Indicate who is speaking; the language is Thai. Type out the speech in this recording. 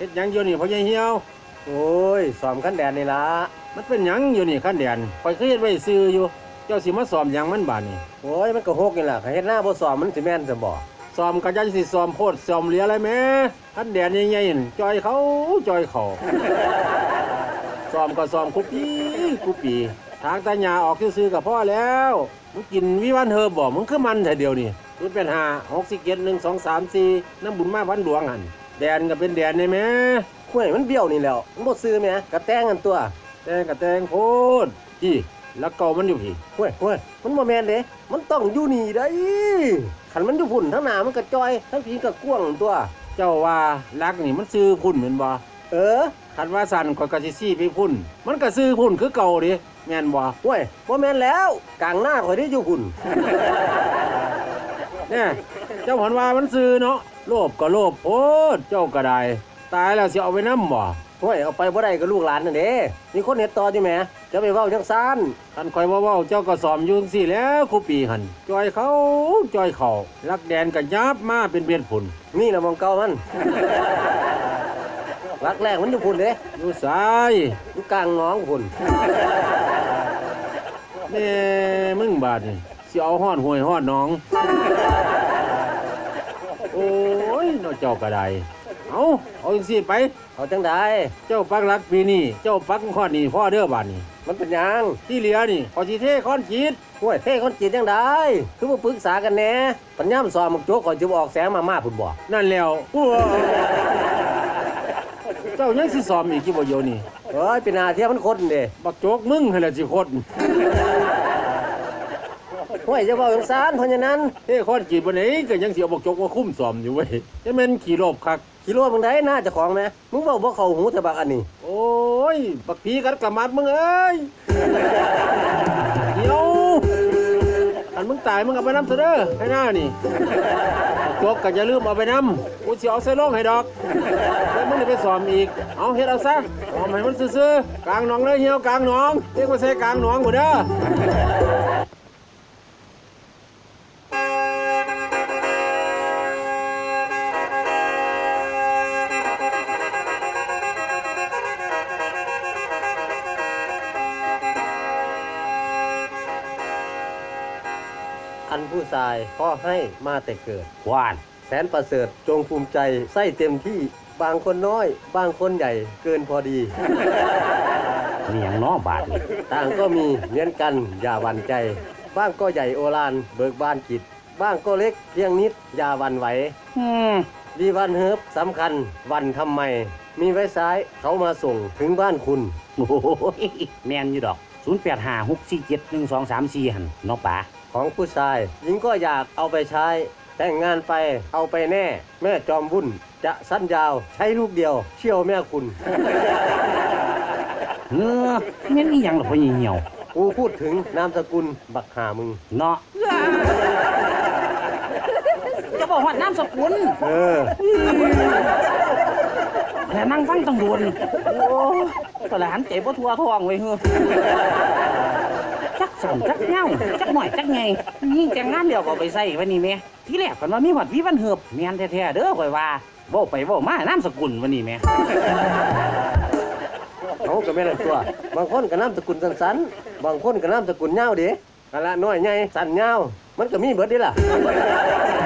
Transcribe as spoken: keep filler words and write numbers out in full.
Speaker 1: ฮ็ดหยังอยู่นี่พ่อใหญ่เหี่ยว
Speaker 2: โอ้ยซ้อมขั้นแดนนี่ล่ะ
Speaker 1: มันเป็นหยังอยู่นี่คันแดนข่อยเคยเฮ็ดไว้ซื่ออยู่เจ้าสิมาซ้อมหยังมันบาดนี่
Speaker 2: โอ้ยมันก็หกนี่ล่ะเฮ็ดหน้าบ่ซ้อมมันสิแม่นซะบ่
Speaker 1: ซ้อมก็ยังสิซ้อมโพดซ้อมเหลืออะไรแม่คันแดนใหญ่ๆนั่นจอยเขาจอยเขาซ้อมก็ซ้อมคุปปีคุปปีทางตาหญ้าออกซื่อๆก็พอแล้วมึงกินวิวันเฮอบ่มึงคือมันแต่เดียวนี่ศูนย์แปดห้า หก สี่ เจ็ด หนึ่ง สอง สาม สี่น้ำบุญมาพันหลวงหั่นแดนก็เป็นแดนได้แม่
Speaker 2: ห้วยมันเบี้ยวนี่แล้วมันบ่ซื้อแม่กระแตงกันตัว
Speaker 1: แตงก็แตงโพดพี่แล้วเก่ามันอยู่พี่
Speaker 2: ห้วยห้วยมันบ่แม่นเด้มันต้องอยู่นี่ได้คันมันอยู่พุ่นทั้งหน้ามันก็จอยทั้งผีก็กว้างตัว
Speaker 1: เจ้าว่ารักนี่มันซื้อพุ่นเหมือนบ่
Speaker 2: เออ
Speaker 1: คันว่าสั่นข่อยก็สิซี่ไปพุ่นมันก็ซื้อพุ่นคือเก่าดิแม่นบ่
Speaker 2: ห้วยบ่แม่นแล้วกลางหน้าข่อยได้อยู่พุ่น
Speaker 1: เนี่ยเจ้าหันว่ามันซื้อเนาะโลภก็โลภโพดเจ้าก็ได้ตายแล้วสิเอาไปนำบ่
Speaker 2: ห้วยเอาไปบ่ได้ก็ลูกหลานนั่นเด้มีคนเฮ็ดต่ออยู่แหมจะไปเว้าจังซั่น
Speaker 1: คันข่อยบ่เว้าเจ้าก็สอมอยู่จังซี่แหล้วครูปีหั่นจอยเขาจอยเขารักแดนก็ยับมาเป็นเบียดพุ่น
Speaker 2: นี่ล่ะมองเก่ามันรักแรกมันอยู่พุ่นเด้
Speaker 1: อยู่ซ้าย
Speaker 2: อยู่กลางหนองพุ่น
Speaker 1: แม่มึงบาดนี่สิเอาฮ้อนห้วยฮ้อนหนองโอ้ยเนาะเจ้าก็ได้เอาเอาจังซี่ไป
Speaker 2: เอาจังได๋
Speaker 1: เจ้าปักหลักปีนี้เจ้าปักค้อนนี่พ่อเด้อบาดนี้
Speaker 2: มันเป็นหยัง
Speaker 1: ที่เหลือนี่ขอสิเทค้อนจีด
Speaker 2: ห้วยเทค้อนจีดจังได๋คือบ่ปรึกษากันแหน่ปัญญามซ้อมมักโจกก่อนสิบ่ออกแสงมามาพุ่นบ่
Speaker 1: นั่นแล้วเจ้ายังสิซ้อมอีกกี่บ่เดี๋ยวนี้
Speaker 2: เอ้ยเป็นหน้าที่มันคนเด้
Speaker 1: บักโจกมึงหั่นแหละสิคน
Speaker 2: ห้วยจะเว้าจังซั่นเพราะฉะนั้น
Speaker 1: เฮ้ค้อนจีดบ่ไหนก็ยังสิเอาบักโจกมาคุ้มซ้อมอยู่เว้ยจะแม่นขี้โลภคัก
Speaker 2: ขี้โลภมึงได้หน้าเจ้าของแม่มึงเว้าบ่เข้าหูแต่บักอันนี้
Speaker 1: โอ้ยบักผีกัดกะมัดมึงเอ้ยเดี๋ยวอันมึงตายมึงเอาไปนำซะเด้อให้หน้านี่จกก็อย่าลืมเอาไปนำกูสิเอาใส่โลงให้ดอกแล้วมึงได้ไปซ้อมอีกเอาเฮ็ดเอาซะซ้อมให้มันซื่อๆกลางหนองเลยเหี่ยวกลางหนองเรียกว่าใส่กลางหนองบ่เด้อ
Speaker 2: อันผู้ชายพ่อให้มาแต่เกิด
Speaker 1: หวาน
Speaker 2: แสนประเสริฐจงภูมิใจใส่เต็มที่บางคนน้อยบางคนใหญ่เกินพอดี
Speaker 1: มีหยังน้อบาดนี่
Speaker 2: ต่างก็มีเหมือนกันอย่าหวั่นใจบ้างก็ใหญ่โอฬารเบิกบานจิตบ้างก็เล็กเพียงนิดอย่าหวั่นไหว
Speaker 1: อืม
Speaker 2: ดีวันเฮิบสำคัญวันทำไมมีไว้ซ้ายเขามาส่งถึงบ้านคุณ
Speaker 1: โอ้โหแม่นอยู่ดอกศูนย์ แปด ห้า หก สี่ เจ็ด หนึ่ง สอง สาม สี่หั่นเนาะป๋า
Speaker 2: ของผู้ชายหญิงก็อยากเอาไปใช้แต่งงานไปเอาไปแน่แม่จอมวุ่นจะสั้นยาวใช้ลูกเดียวเชี่ยวแม่คุณ
Speaker 1: เออแม่นอีหยังล่ะพ่อเหี่ยว
Speaker 2: กูพูดถึงนามสกุลบักหามึง
Speaker 1: เนาะจะบอกว่านามสกุล
Speaker 2: เออ
Speaker 1: แล้วนั่งฟังต้องโดนโอ้ตะหลานเจ็บบ่ทั่วท้องไว้เฮ้อจักสอนจักเงาจักหน่อยจักไงยิ่งแต่งงานเดียวก็ไปใส่วันนี้แม่ที่แรกก่อนว่ามีหอดวิวันเหือบแม่นแท้ๆเด้อข่อยว่าเว้าไปเว้ามานามสกุลวันนี้แม่
Speaker 2: เขาก็แม่นตัวบางคนก็นามสกุลสั้นๆบางคนก็นามสกุลยาวเด้นั่นล่ะน้อยใหญ่สั้นยาวมันก็มีเบิดเด้ล่ะ